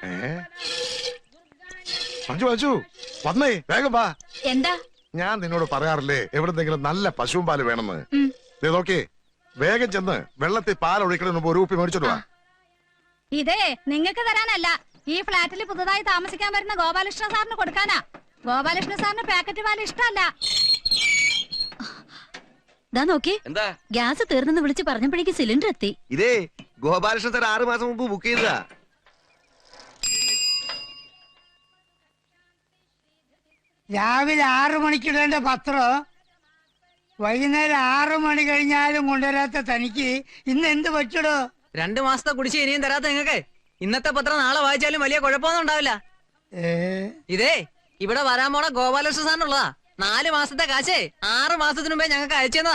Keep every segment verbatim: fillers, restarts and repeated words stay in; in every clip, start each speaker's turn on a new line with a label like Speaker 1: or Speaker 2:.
Speaker 1: മഞ്ജു മഞ്ജു വന്നേ, വേഗം വാ.
Speaker 2: എന്താ?
Speaker 1: ഞാൻ നിന്നോട് പറയാറില്ലേ എവിടെന്തെങ്കിലും നല്ല പശുവും പാല് വേണമെന്ന്. നോക്കേ, വേഗം ചെന്ന് വെള്ളത്തിൽ പാൽ ഒഴിക്കണ മുമ്പ് ഒരു കുപ്പി മേടിച്ചോണ്ട് വാ.
Speaker 2: ഇതേ നിങ്ങൾക്ക് തരാനല്ല, ഈ ഫ്ലാറ്റിൽ പുതുതായി താമസിക്കാൻ വരുന്ന ഗോപാലകൃഷ്ണ സാറിന് കൊടുക്കാനാ. ഗോപാലകൃഷ്ണ സാറിന് പാക്കറ്റ് പാൽ ഇഷ്ടമല്ല. ദാ നോക്കി, ഗ്യാസ് തീർന്നെന്ന് വിളിച്ച് പറഞ്ഞപ്പോഴേക്ക് സിലിണ്ടർ എത്തി.
Speaker 3: ഇതേ ഗോപാലകൃഷ്ണ സാർ ആറു മാസം മുമ്പ് ബുക്ക് ചെയ്തതാ.
Speaker 4: രാവിലെ ആറു മണിക്കിടേണ്ട പത്രം വൈകുന്നേരം ആറു മണി കഴിഞ്ഞാലും കൊണ്ടുവരാത്ത തനിക്ക് ഇന്ന് എന്ത് പറ്റടോ?
Speaker 5: രണ്ടു മാസത്തെ കുടിശ്ശി ഇനിയും തരാത്ത നിങ്ങക്ക് ഇന്നത്തെ പത്രം നാളെ വായിച്ചാലും വലിയ കുഴപ്പമൊന്നും ഉണ്ടാവില്ല. ഇതേ ഇവിടെ വരാൻ പോണ ഗോപാലകൃഷ്ണ സാറിനുള്ളതാ. നാല് മാസത്തെ കാശേ ആറ് മാസത്തിനു മുമ്പേ ഞങ്ങൾക്ക് അയച്ചതാ.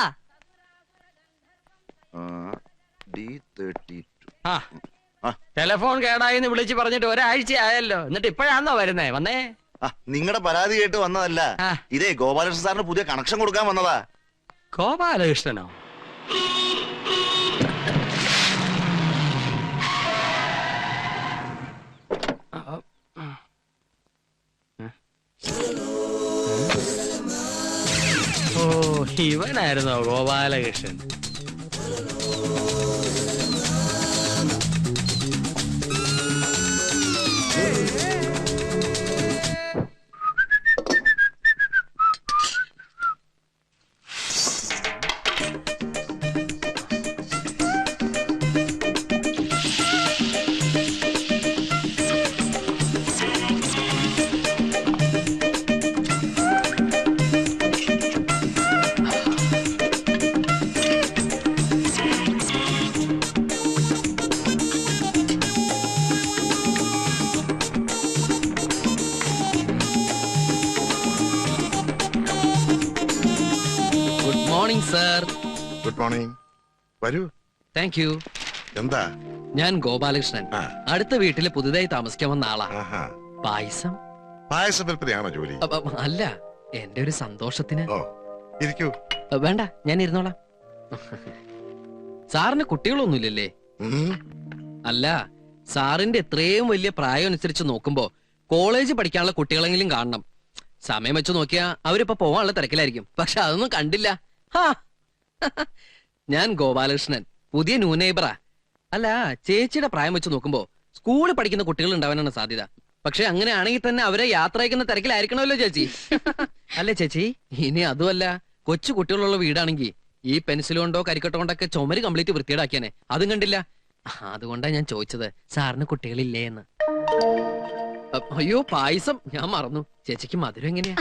Speaker 6: ടെലിഫോൺ കേടായിന്ന് വിളിച്ച് പറഞ്ഞിട്ട് ഒരാഴ്ച ആയല്ലോ, എന്നിട്ട് ഇപ്പോഴാന്നോ വരുന്നേ? വന്നേ,
Speaker 3: നിങ്ങളുടെ പരാതി കേട്ട് വന്നതല്ല. ഇതേ ഗോപാലകൃഷ്ണ സാറിന് പുതിയ കണക്ഷൻ കൊടുക്കാൻ വന്നതാ.
Speaker 6: ഗോപാലകൃഷ്ണനോ? ഓ, ഇവനായിരുന്നോ ഗോപാലകൃഷ്ണൻ?
Speaker 7: Sir,
Speaker 1: good morning. വരൂ.
Speaker 7: Thank you.
Speaker 1: എന്താ?
Speaker 7: ഞാൻ ഗോപാലകൃഷ്ണൻ, അടുത്ത വീട്ടില് പുതുതായി താമസിക്കാൻ വന്ന ആളാ. പായസം
Speaker 1: പായസ വിൽപ്പനയാണോ ജോലി?
Speaker 7: അല്ല, എന്റെ ഒരു സന്തോഷത്തിന്.
Speaker 1: ഇരിക്കൂ.
Speaker 7: വേണ്ട, ഞാൻ ഇരുന്നോളാം. സാറിന് കുട്ടികളൊന്നുമില്ലല്ലേ? അല്ല, സാറിന്റെ എത്രയും വലിയ പ്രായം അനുസരിച്ച് നോക്കുമ്പോ കോളേജ് പഠിക്കാനുള്ള കുട്ടികളെങ്കിലും കാണണം. സമയം വെച്ച് നോക്കിയാ അവരിപ്പോ പോവാനുള്ള തിരക്കിലായിരിക്കും. പക്ഷെ അതൊന്നും കണ്ടില്ല. ഞാൻ ഗോപാലകൃഷ്ണൻ, പുതിയ ന്യൂ നെയ്ബറാ. അല്ല, ചേച്ചിയുടെ പ്രായം വെച്ച് നോക്കുമ്പോ സ്കൂളിൽ പഠിക്കുന്ന കുട്ടികൾ ഉണ്ടാവാനാണ് സാധ്യത. പക്ഷെ അങ്ങനെയാണെങ്കിൽ തന്നെ അവരെ യാത്ര അയക്കുന്ന തിരക്കിലായിരിക്കണമല്ലോ ചേച്ചി. അല്ലേ ചേച്ചി? ഇനി അതുമല്ല, കൊച്ചു കുട്ടികളുള്ള വീടാണെങ്കിൽ ഈ പെൻസിൽ കൊണ്ടോ കരിക്കട്ടോ കൊണ്ടൊക്കെ ചുമര് കംപ്ലീറ്റ് വൃത്തിയേടാക്കിയാനെ. അതും കണ്ടില്ല. അതുകൊണ്ടാ ഞാൻ ചോദിച്ചത്, സാറിന് കുട്ടികളില്ലേ എന്ന്. അയ്യോ, പായസം ഞാൻ മറന്നു. ചേച്ചിക്ക് മധുരം എങ്ങനെയാ?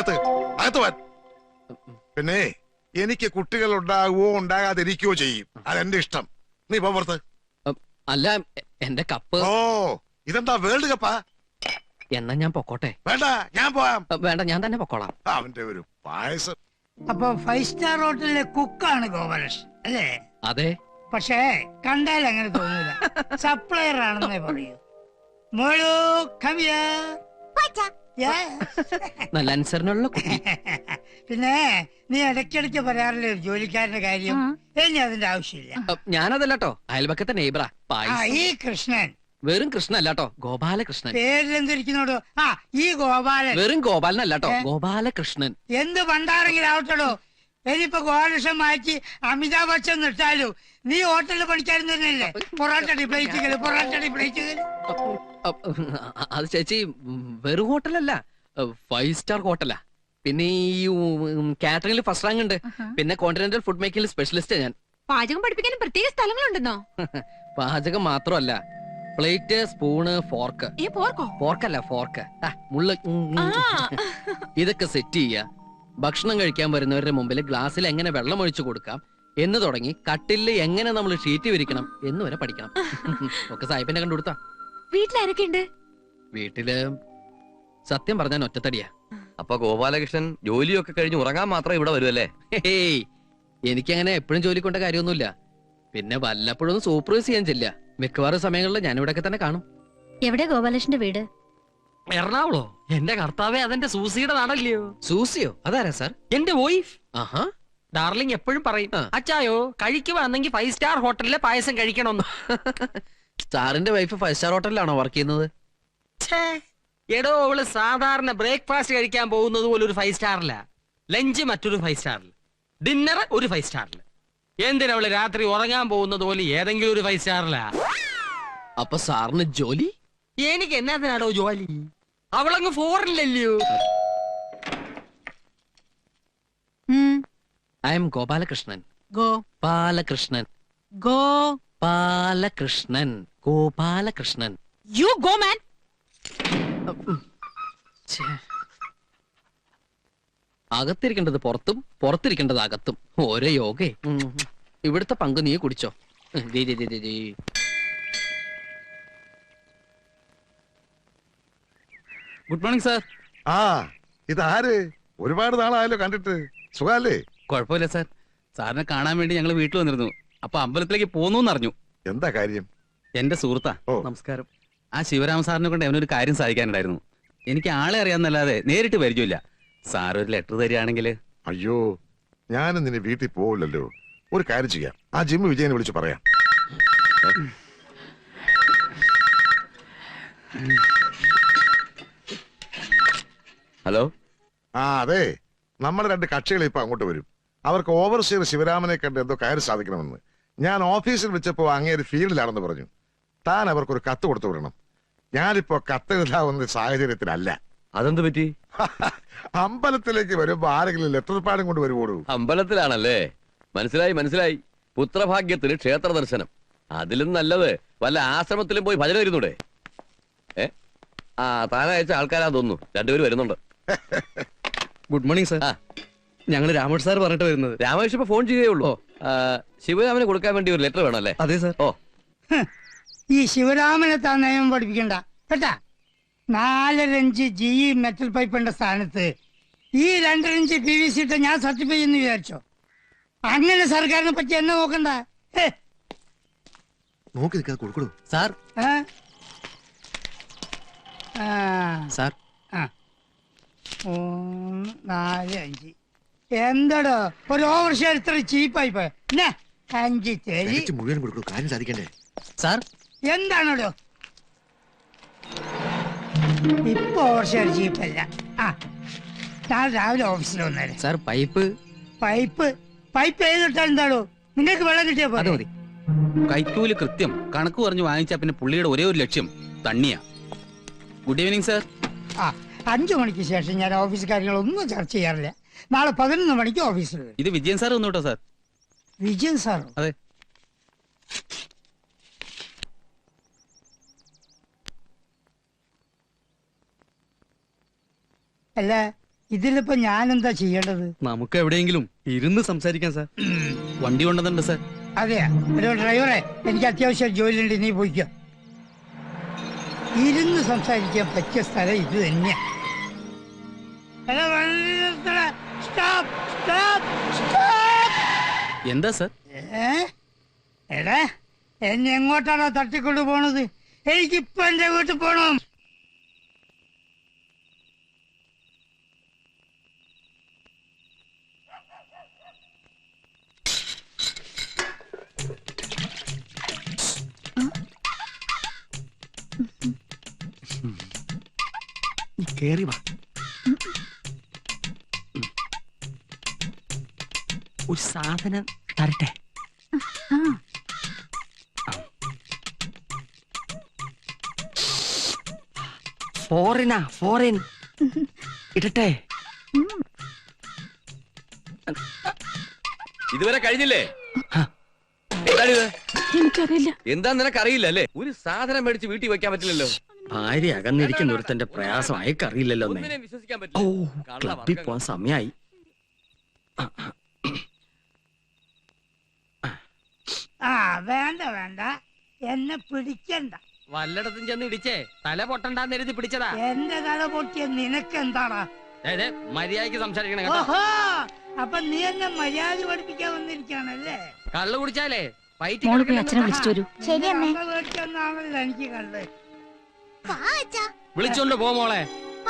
Speaker 1: പിന്നെ എനിക്ക് കുട്ടികൾ ഉണ്ടാകുവോ ഉണ്ടാകാതിരിക്കുകയോ ചെയ്യും. അതെന്റെ ഇഷ്ടം. നീ പോർത്ത്.
Speaker 7: അല്ല, എന്റെ കപ്പ്.
Speaker 1: ഓ, ഇതെന്താ വേൾഡ് കപ്പാ?
Speaker 7: എന്നാ ഞാൻ പൊക്കോട്ടെ.
Speaker 1: വേണ്ട, ഞാൻ പോവാം.
Speaker 7: വേണ്ട, ഞാൻ തന്നെ പൊക്കോളാം.
Speaker 1: അവന്റെ ഒരു പായസം.
Speaker 4: അപ്പൊ ഫൈവ് സ്റ്റാർ ഹോട്ടലിലെ കുക്കാണ് ഗോപാലകൃഷ്ണൻ അല്ലേ?
Speaker 7: അതെ.
Speaker 4: പക്ഷേ കണ്ടാൽ അങ്ങനെ തോന്നില്ല. സപ്ലയർ ആണെന്നേ പറയൂ. മോളു, come here.
Speaker 7: നല്ല അനുസരണമുള്ള കുട്ടി.
Speaker 4: പിന്നെ നീ ഇടയ്ക്കിടയ്ക്ക് പറയാറില്ലേ ഒരു ജോലിക്കാരന്റെ കാര്യം? ഇനി അതിന്റെ ആവശ്യമില്ല.
Speaker 7: ഞാനതല്ലോ, അയൽപക്കത്തെ നെയ്ബറാ.
Speaker 4: ഈ കൃഷ്ണൻ
Speaker 7: വെറും കൃഷ്ണൻ അല്ലാട്ടോ, ഗോപാലകൃഷ്ണൻ.
Speaker 4: പേരിലെന്തിരിക്കുന്നോടോ? ആ, ഈ ഗോപാലൻ.
Speaker 7: വെറും ഗോപാലൻ അല്ലാട്ടോ, ഗോപാലകൃഷ്ണൻ.
Speaker 4: എന്ത് പണ്ടാരെങ്കിലും ആവട്ടോ. ഇനിയിപ്പോ ഗോപാലകൃഷ്ണൻ മാറ്റി അമിതാഭ് ബച്ചൻ നിർത്താലോ. നീ ഹോട്ടലിൽ പണിക്കാരൻ തന്നെയല്ലേ? പൊറാട്ടടി പ്ലേറ്റുകള്, പൊറാട്ടടി പ്ലേറ്റുകള്.
Speaker 7: അത് ചേച്ചി വെറും ഹോട്ടലല്ല, ഫൈവ് സ്റ്റാർ ഹോട്ടലാ. പിന്നെ ഈ കാറ്ററിംഗിൽ ഫസ്റ്റ് റാങ്ക് ഉണ്ട്. പിന്നെ കോണ്ടിനെന്റൽ ഫുഡ് മേക്കിംഗിൽ സ്പെഷ്യലിസ്റ്റ് ഞാൻ.
Speaker 2: പാചകം പഠിപ്പിക്കാനും പ്രത്യേക സ്ഥലങ്ങളുണ്ടെന്നോ?
Speaker 7: പാചകം മാത്രമല്ല, പ്ലേറ്റ്, സ്പൂണ്, ഫോർക്ക്. ഫോർക്കല്ല, ഫോർക്ക്, മുള്ള, ഇതൊക്കെ സെറ്റ് ചെയ്യാ. ഭക്ഷണം കഴിക്കാൻ വരുന്നവരുടെ മുമ്പിൽ ഗ്ലാസ്സിൽ എങ്ങനെ വെള്ളം ഒഴിച്ചു കൊടുക്കാം എന്ന് തുടങ്ങി കട്ടില് എങ്ങനെ നമ്മൾ ഷീറ്റ് വിരിക്കണം എന്ന് വരെ പഠിക്കണം. ഒക്കെ സാഹിബിനെ കണ്ടുകൊടുത്താ.
Speaker 2: വീട്ടിലാരൊക്കെയുണ്ട്?
Speaker 7: വീട്ടില് സത്യം പറഞ്ഞാൽ ഒറ്റത്തടിയാ.
Speaker 3: അപ്പൊ ഗോപാലകൃഷ്ണൻ ജോലിയൊക്കെ കഴിഞ്ഞ് ഉറങ്ങാൻ മാത്രം ഇവിടെ വരുമല്ലേ?
Speaker 7: ഹേയ്, എനിക്കങ്ങനെ എപ്പോഴും ജോലി കൊണ്ട കാര്യമൊന്നുമില്ല. പിന്നെ വല്ലപ്പോഴും ഒന്ന് സൂപ്പർവൈസ് ചെയ്യാൻ ചെല്ല. മിക്കവാറും സമയങ്ങളിൽ ഞാൻ ഇവിടെയൊക്കെ തന്നെ കാണും.
Speaker 2: എവിടെ ഗോപാലകൃഷ്ണന്റെ വീട്?
Speaker 6: എറണാകുളോ? എന്റെ കർത്താവേ, അതെന്റെ സൂസിയുടെ നാടല്ലയോ?
Speaker 7: സൂസിയോ? അതാരാ സാർ?
Speaker 6: എന്റെ വൈഫ്.
Speaker 7: ആഹാ.
Speaker 6: ഡാർലിംഗ് എപ്പോഴും പറയും, അച്ചായോ കഴിക്കുവാണെങ്കിൽ ഫൈവ് സ്റ്റാർ ഹോട്ടലിലെ പായസം കഴിക്കണമെന്ന്.
Speaker 7: സാറിന്റെ വൈഫ് ഫൈവ് സ്റ്റാർ ഹോട്ടലിലാണോ വർക്ക് ചെയ്യുന്നത്?
Speaker 6: എടോ അവള് സാധാരണ ബ്രേക്ക്ഫാസ്റ്റ് കഴിക്കാൻ പോകുന്നത് പോലെ ഒരു ഫൈവ് സ്റ്റാറില, ലഞ്ച് മറ്റൊരു ഫൈവ് സ്റ്റാറിൽ, ഡിന്നർ ഒരു ഫൈവ് സ്റ്റാറിൽ. എന്തിനാ അവള് രാത്രി ഉറങ്ങാൻ പോകുന്നത് പോലെ ഏതെങ്കിലും ഒരു ഫൈവ് സ്റ്റാറിലാ?
Speaker 7: അപ്പൊ സാറിന് ജോലി?
Speaker 6: എനിക്ക് എന്നാത്തിനാടോ ജോലി? അവളങ്ങ് ഫോറില്ലല്ലോ.
Speaker 7: I am Gopalakrishnan.
Speaker 5: Go
Speaker 7: Balakrishnan.
Speaker 5: Go
Speaker 7: Balakrishnan. Gopalakrishnan.
Speaker 5: You go man.
Speaker 7: ഛേ. അകത്തിരിക്കേണ്ടത് പുറത്തും പുറത്തിരിക്കേണ്ടത് അകത്തും. ഓരോ യോഗേ. ഉം. ഇവിടുത്തെ പങ്ക് നീ കുടിച്ചോ. ഉം, ദേ, ദേ, ദേ, ദേ, ദേ.
Speaker 8: Good morning sir.
Speaker 1: ആ ഇതാര്? ഒരുപാട് നാളായല്ലോ കണ്ടിട്ട്. സുഖല്ലേ?
Speaker 8: കുഴപ്പമില്ല സാർ. സാറിനെ കാണാൻ വേണ്ടി ഞങ്ങൾ വീട്ടിൽ വന്നിരുന്നു. അപ്പൊ അമ്പലത്തിലേക്ക് പോന്നു അറിഞ്ഞു.
Speaker 1: എന്താ കാര്യം?
Speaker 8: എന്റെ സുഹൃത്താ.
Speaker 1: ഓ.
Speaker 8: നമസ്കാരം. ആ ശിവരാമ സാറിനെ കൊണ്ട് അവനൊരു കാര്യം സാധിക്കാനുണ്ടായിരുന്നു. എനിക്ക് ആളെ അറിയാന്നല്ലാതെ നേരിട്ട് പരിചയമില്ല. സാർ ഒരു ലെറ്റർ തരികയാണെങ്കിൽ.
Speaker 1: അയ്യോ, ഞാനും നിന്നെ വീട്ടിൽ പോവില്ലല്ലോ. ഒരു കാര്യം ചെയ്യാം, ആ ജിമ്മ് വിജയനെ വിളിച്ച് പറയാം.
Speaker 8: ഹലോ.
Speaker 1: ആ അതെ, നമ്മുടെ രണ്ട് കക്ഷികൾ ഇപ്പൊ അങ്ങോട്ട് വരും. അവർക്ക് ഓവർസീർ ശിവരാമനെ കണ്ട് എന്തോ കാര്യം സാധിക്കണമെന്ന്. ഞാൻ ഓഫീസിൽ വിളിച്ചപ്പോ അങ്ങേര് ഫീൽഡിലാണെന്ന് പറഞ്ഞു. താൻ അവർക്കൊരു കത്ത് കൊടുത്തു വിടണം. ഞാനിപ്പോ കത്തെഴുതാവുന്ന സാഹചര്യത്തിലല്ല.
Speaker 9: അതെന്ത് പറ്റി?
Speaker 1: അമ്പലത്തിലേക്ക് വരുമ്പോ ആരെങ്കിലും ലെറ്റർ പാടും കൊണ്ട് വരുവോളൂ.
Speaker 9: അമ്പലത്തിലാണല്ലേ? മനസ്സിലായി മനസ്സിലായി. പുത്രഭാഗ്യത്തിന് ക്ഷേത്ര ദർശനം. അതിലും നല്ലത് വല്ല ആശ്രമത്തിലും പോയി ഭജന വരുന്നൂടെ? ഏ ആ താനയച്ച ആൾക്കാരാ തോന്നുന്നു. രണ്ടുപേരും വരുന്നുണ്ട്.
Speaker 7: Good morning sir.
Speaker 9: ആ.
Speaker 7: ഞങ്ങൾ രാമേഷ് സാർ പറഞ്ഞിട്ട് വരുന്നത്.
Speaker 9: രാമേഷ് ഇപ്പൊ ഫോൺ ചെയ്തേ ഉള്ളൂ. ശിവരാമന് കൊടുക്കാൻ വേണ്ടി ഒരു ലെറ്റർ വേണം അല്ലേ?
Speaker 7: അതെ സാർ.
Speaker 9: ഓ,
Speaker 4: ഈ ശിവരാമനെ താൻ നയം പഠിപ്പിക്കണ്ട കേട്ടാ. നാലരഞ്ച് ജി ഇ മെറ്റൽ പൈപ്പിന്റെ സ്ഥാനത്ത് ഈ രണ്ടരഞ്ച് പി വി സി ഇട്ട് ഞാൻ സർട്ടിഫൈ ചെയ്യുന്നു വിചാരിച്ചോ? അങ്ങനെ സർക്കാരിനെ പറ്റി എന്നെ നോക്കണ്ട. ഹേ.
Speaker 3: നോക്കി നിൽക്കാതെ കൊടുക്കണു.
Speaker 7: സാർ.
Speaker 4: ഏ? ആ.
Speaker 7: സാർ.
Speaker 4: ആ. മൂന്ന് നാല് അഞ്ച്. എന്താടോ ഒരു ഓവർ ഷെയർ ഇത്ര ചീപ്പായി പോയ? അഞ്ച് തരി
Speaker 3: മുഴുവൻ കൊടുക്കണു. കാര്യം സാധിക്കണ്ടേ?
Speaker 7: സാർ.
Speaker 4: എന്താണോ ഇപ്പൊ ഓവർ ഷെയർ ചീപ്പല്ല. ആ നാളെ രാവിലെ ഓഫീസിൽ വന്നേരെ.
Speaker 7: Sir pipe.
Speaker 4: പൈപ്പ് പൈപ്പ് ഏതിട്ടാൽ എന്താണോ? നിങ്ങൾക്ക് വെള്ളം കിട്ടിയാ
Speaker 7: അത്
Speaker 4: പോലെ.
Speaker 7: മതി.
Speaker 8: കൈക്കൂലി കൃത്യം കണക്ക് പറഞ്ഞു വാങ്ങിച്ചാ പിന്നെ പുള്ളിയുടെ ഒരേ ഒരു ലക്ഷ്യം തണ്ണിയാ. Good evening sir.
Speaker 4: ആ അഞ്ചു മണിക്ക് ശേഷം ഞാൻ ഓഫീസ് കാര്യങ്ങളൊന്നും ചർച്ച ചെയ്യാറില്ല. നാളെ പതിനൊന്ന് മണിക്ക് ഓഫീസിൽ വരും.
Speaker 8: ഇത് വിജയൻ സാർ വന്നു കേട്ടോ സാർ.
Speaker 4: വിജയൻ സാറോ?
Speaker 8: അതെ.
Speaker 4: അല്ല ഇതിലിപ്പോ ഞാൻ എന്താ ചെയ്യേണ്ടത്?
Speaker 7: നമുക്ക് എവിടെയെങ്കിലും ഇരുന്ന് സംസാരിക്കാം സാർ.
Speaker 8: വണ്ടി കൊണ്ടുവന്നിട്ടുണ്ട് സാർ.
Speaker 4: അതെയാ. ഒരു ഡ്രൈവറെ എനിക്ക് അത്യാവശ്യം ജോലിയുണ്ട്, നീ പോയിക്കോ. ഇരുന്ന് സംസാരിക്കാൻ പറ്റിയ സ്ഥലം ഇത് തന്നെയാ. എടാ, വണ്ടി നിർത്തടാ. Stop, stop, stop.
Speaker 8: എന്താ സാർ?
Speaker 4: ഏ? എടാ എന്നെ എങ്ങോട്ടാണോ തട്ടിക്കൊണ്ടു പോണത്? എനിക്കിപ്പോ എന്റെ വീട്ടിൽ പോണം.
Speaker 3: കേറി വാ.
Speaker 6: ഒരു സാധനം തരട്ടെ. ഫോറിനാ ഫോറിൻ. ഇടട്ടെ.
Speaker 9: ഇതുവരെ കഴിഞ്ഞില്ലേ? എന്താണിത്?
Speaker 2: എനിക്കറിയില്ല.
Speaker 9: എന്താ നിനക്കറിയില്ല അല്ലേ? ഒരു സാധനം മേടിച്ച് വീട്ടിൽ വെക്കാൻ പറ്റില്ലല്ലോ.
Speaker 6: ഭാര്യ അകന്നിരിക്കുന്ന ഒരുത്തന്റെ പ്രയാസം അയക്കറിയില്ലല്ലോ.
Speaker 9: ഒന്നിനെയും വിശ്വസിക്കാൻ
Speaker 6: ഓ
Speaker 9: പറ്റില്ല.
Speaker 6: ക്ലബിൽ പോവാൻ സമയായി.
Speaker 4: ആ വേണ്ട വേണ്ട, എന്നെ പിടിക്കണ്ട.
Speaker 6: വല്ലയിടത്തും ചെന്ന് ഇടിച്ചേ തല പൊട്ടണ്ടാന്ന് എഴുതി പിടിച്ചതാ.
Speaker 4: എന്റെ തല പൊട്ടിയ നിനക്ക് എന്താടാ?
Speaker 6: മര്യാദക്ക് സംസാരിക്കണം കേട്ടോ.
Speaker 4: ഓഹോ, അപ്പൊ നീ എന്നെ മര്യാദ പഠിപ്പിക്കാൻ വന്നിരിക്കാണല്ലേ?
Speaker 6: കള്ളു കുടിച്ചാലേ
Speaker 2: മോള് പോയി അച്ഛനെ വിളിച്ചിട്ട് വരൂ. ശരി അമ്മേ.
Speaker 4: മേടിച്ചെന്നാണല്ലോ എനിക്ക് കണ്ടത്.
Speaker 6: വിളിച്ചോണ്ട് പോ മോളെ.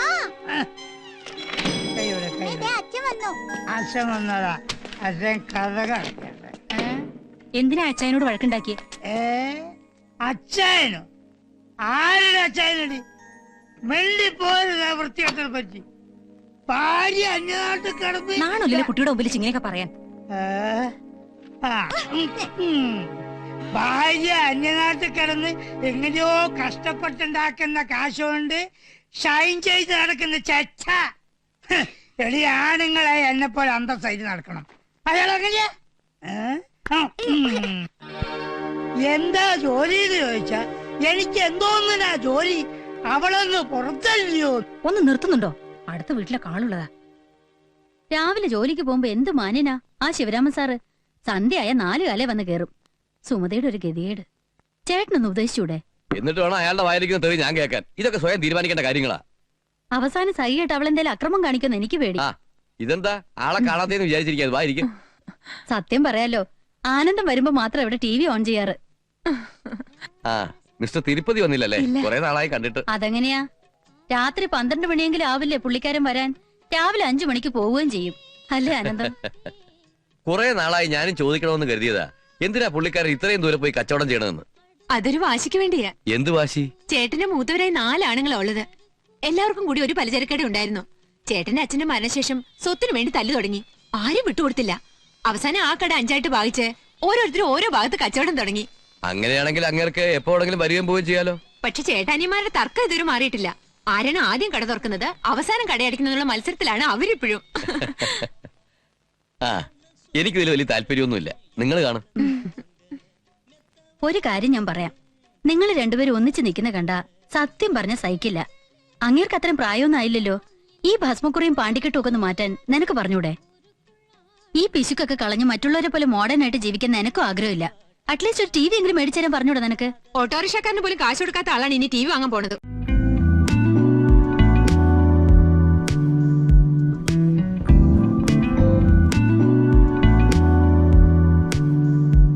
Speaker 4: കൈയുടെ കൈയുടെ അച്ഛൻ വന്നതാ. അച്ഛൻ കഥ കളിക്കട്ടെ.
Speaker 2: എന്തിനാ അച്ഛനോട് വഴക്കുണ്ടാക്കിയേ?
Speaker 4: ഏ അച്ഛനോ? ആരുടെ അച്ഛനടി? മെല്ലിപ്പോരുന്ന വൃത്തികെട്ടനെ പറ്റി. ഭാര്യ അന്യനാട്ടിൽ കിടന്ന്
Speaker 2: നാണല്ലോ കുട്ടിയുടെ മുമ്പിൽ ഇങ്ങനെയൊക്കെ പറയാൻ.
Speaker 4: ഏ? ആ, ഉം, ഉം. ഭാര്യ അന്യനാട്ടിൽ കിടന്ന് എങ്ങനെയോ കഷ്ടപ്പെട്ടുണ്ടാക്കുന്ന കാശുകൊണ്ട് ഷൈൻ ചെയ്ത് നടക്കുന്ന ചച്ച. ഹ്, എടി ആണുങ്ങളെ എന്നെ പോലെ അന്തസ്സായിട്ട് നടക്കണം. അയാൾ അങ്ങനെയാ? ഏ? ആ, ഉം. എന്താ ജോലി എന്ന് ചോദിച്ചാ എനിക്ക് എന്തോന്നിനാ ജോലി? അവളൊന്ന് പുറത്തല്ലയോ?
Speaker 2: ഒന്ന് നിർത്തുന്നുണ്ടോ? അടുത്ത വീട്ടിലെ കാളുള്ളതാ. രാവിലെ ജോലിക്ക് പോകുമ്പോ എന്ത് മാന്യനാ ആ ശിവരാമൻ സാറ്. സന്ധ്യയായ നാലു കാലേ വന്ന് കേറും. സുമതയുടെ ഒരു ഗതികേട്. ചേട്ടനൊന്ന് ഉപദേശിച്ചൂടെ?
Speaker 9: എന്നിട്ട് വേണം അയാളുടെ വായിരിക്കുന്ന തെറി ഞാൻ കേൾക്കാൻ. ഇതൊക്കെ സ്വയം തീരുമാനിക്കേണ്ട കാര്യങ്ങളാ.
Speaker 2: അവസാനം സഹിയായിട്ട് അവളെന്തേലും അക്രമം കാണിക്കുന്ന എനിക്ക് പേടി.
Speaker 9: ആ ഇതെന്താ ആളെ കാണാത്തേന്ന് വിചാരിച്ചിരിക്കാതെ വായിരിക്കും.
Speaker 2: സത്യം പറയാലോ, ആനന്ദം വരുമ്പോ മാത്രം ഇവിടെ ടി വി ഓൺ ചെയ്യാറ്.
Speaker 9: ആ മിസ്റ്റർ തിരുപ്പതി വന്നില്ലല്ലേ? കുറെ നാളായി കണ്ടിട്ട്.
Speaker 2: അതെങ്ങനെയാ? രാത്രി പന്ത്രണ്ട് മണിയെങ്കിലും ആവില്ലേ പുള്ളിക്കാരൻ വരാൻ? രാവിലെ അഞ്ചു മണിക്ക് പോവുകയും ചെയ്യും. അല്ലേ ആനന്ദം?
Speaker 9: കുറെ നാളായി ഞാനും ചോദിക്കണമെന്ന് കരുതിയതാ, എന്തിനാ പുള്ളിക്കാരൻ ഇത്രയും ദൂരെ പോയി കച്ചവടം ചെയ്യണമെന്ന്.
Speaker 10: അതൊരു വാശിക്ക് വേണ്ടിയാ.
Speaker 9: എന്ത് വാശി?
Speaker 10: ചേട്ടന്റെ മൂത്തവരായി നാലാണുങ്ങളാ ഉള്ളത്. എല്ലാവർക്കും കൂടി ഒരു പലചരക്കട ഉണ്ടായിരുന്നു. ചേട്ടന്റെ അച്ഛന്റെ മരണശേഷം സ്വത്തിനു വേണ്ടി തല്ലു തുടങ്ങി. ആരും വിട്ടുകൊടുത്തില്ല. അവസാനം ആ കട അഞ്ചായിട്ട് ഭാഗിച്ച് ഓരോരുത്തരും ഓരോ ഭാഗത്ത് കച്ചവടം തുടങ്ങി.
Speaker 9: അങ്ങനെയാണെങ്കിൽ അങ്ങേർക്ക് എപ്പോഴെങ്കിലും വരികയും പോവുകയും ചെയ്യാലോ.
Speaker 10: പക്ഷെ ചേട്ടാനിമാരുടെ തർക്കം ഇതുവരെ മാറിയിട്ടില്ല. ആരാണ് ആദ്യം കട തുറക്കുന്നത്, അവസാനം കടയടിക്കുന്നതിനുള്ള മത്സരത്തിലാണ് അവരിപ്പോഴും.
Speaker 9: ആ എനിക്ക് ഇതിൽ വലിയ താല്പര്യമൊന്നുമില്ല. നിങ്ങൾ കാണും.
Speaker 2: ഒരു കാര്യം ഞാൻ പറയാം. നിങ്ങൾ രണ്ടുപേരും ഒന്നിച്ച് നിൽക്കുന്ന കണ്ട സത്യം പറഞ്ഞ സഹിക്കില്ല. അങ്ങേർക്ക് അത്രയും പ്രായമൊന്നും ആയില്ലല്ലോ. ഈ ഭസ്മക്കുറിയും പാണ്ടിക്കെട്ടും ഒക്കെ ഒന്ന് മാറ്റാൻ നിനക്ക് പറഞ്ഞൂടെ? ഈ പിശുക്കൊക്കെ കളഞ്ഞ് മറ്റുള്ളവരെ പോലെ മോഡേൺ ആയിട്ട് ജീവിക്കാൻ നിനക്കും ആഗ്രഹമില്ല. അറ്റ്ലീസ്റ്റ് ഒരു ടി വി എങ്കിലും മേടിച്ചു തരാൻ പറഞ്ഞൂടെ നിനക്ക്?
Speaker 10: ഓട്ടോറിക്ഷക്കാരന് പോലും കാശ് കൊടുക്കാത്ത ആളാണ് ഇനി ടി വി വാങ്ങാൻ പോണത്.